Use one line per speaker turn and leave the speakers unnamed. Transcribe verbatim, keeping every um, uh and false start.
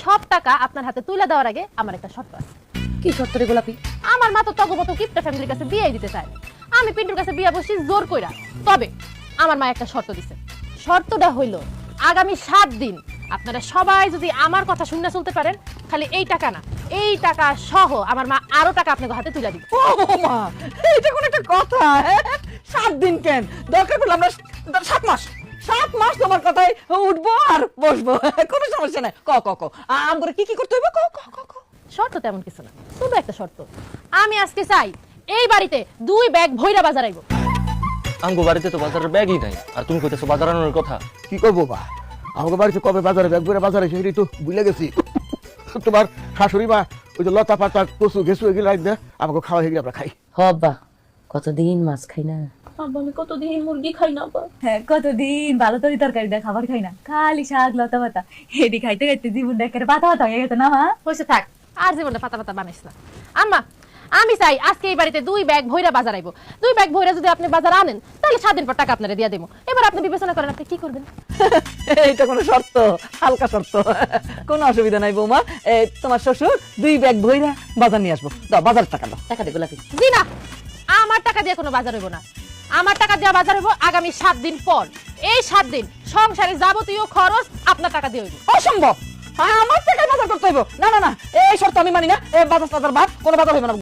সব টাকা আপনার হাতে তুলে দেওয়ার আগে আমার একটা শর্ত আছে।
কি শর্ত রে গোলাপি?
আমার মা তো তগো মতো কিপটা ফ্যামিলির কাছে বিয়ে দিতে চায়, আমি পিন্টুর কাছে বিয়ে বসি জোর কইরা। তবে আমার মা একটা শর্ত দিছে, শর্তটা হইল আগামী সাত দিন আপনারা সবাই যদি আমার কথা শুনে চলতে পারেন, খালি এই টাকা না, এই টাকা সহ আমার মা আরো টাকা আপনাদের হাতে তুলে দিবে।
ও মা, এটা কোন একটা কথা? হ্যাঁ? সাত দিন কেন, দরকার পড়লে আমরা সাত মাস সাত মাস তোমার কথায় উঠবো আর বসবো, কোনো সমস্যা নাই। ক ক ক আমরা কি কি করতে হবে? ক ক ক ক
শর্ত তেমন কিছু না, শুধু একটা শর্ত, আমি আজকে চাই এই বাড়িতে দুই ব্যাগ ভৈরা বাজার আইব।
আমগো বাড়িতে তো বাজারের ব্যাগই নাই, আর তুমি কইতেছো বাজার আনানোর কথা।
কি করবো বা, আমাকে বাড়িতে কবে বাজারে ব্যাগ করে বাজারে সেটাই তো ভুলে গেছি। তোমার শাশুড়ি মা ওই যে লতা পাতা কচু ঘেসু এগুলো রাখবে, আমাকে খাওয়া এগুলো আমরা খাই।
হবা কতদিন মাছ খাই না,
আমি কতদিন মুরগি খাই না বা।
হ্যাঁ, কতদিন ভালো তরি তরকারি দিয়ে খাবার খাই না, খালি শাক লতা পাতা, এটি খাইতে খাইতে জীবন একেবারে পাতা পাতা হয়ে গেছে না মা?
হয়েছে থাক, আর জীবনটা পাতা পাতা বানাইস না। আম্মা, আমি চাই আজকে এই বাড়িতে দুই ব্যাগ ভৈরা বাজার আইব। দুই ব্যাগ ভৈরা যদি আপনি বাজার আনেন, তাহলে সাত দিন পর টাকা আপনারা দিয়ে দেবো। এবার আপনি বিবেচনা করেন আপনি কি করবেন।
এইটা কোনো শর্ত? হালকা শর্ত, কোনো অসুবিধা নাই বৌমা। এ, তোমার শ্বশুর দুই ব্যাগ ভইরা বাজার নিয়ে আসবো। দাও বাজার টাকা দাও। টাকা দে গোলাপি।
জি না, আমার টাকা দিয়ে কোনো বাজার হইব না। আমার টাকা দিয়ে বাজার হইব আগামী সাত দিন পর। এই সাত দিন সংসারে যাবতীয় খরচ আপনার টাকা দিয়ে হইব।
অসম্ভব, আমার টাকায় বাজার করতে হইব। না না না, এই শর্ত আমি মানি না। বাজার টাজার বাদ, কোনো বাজার হইব না।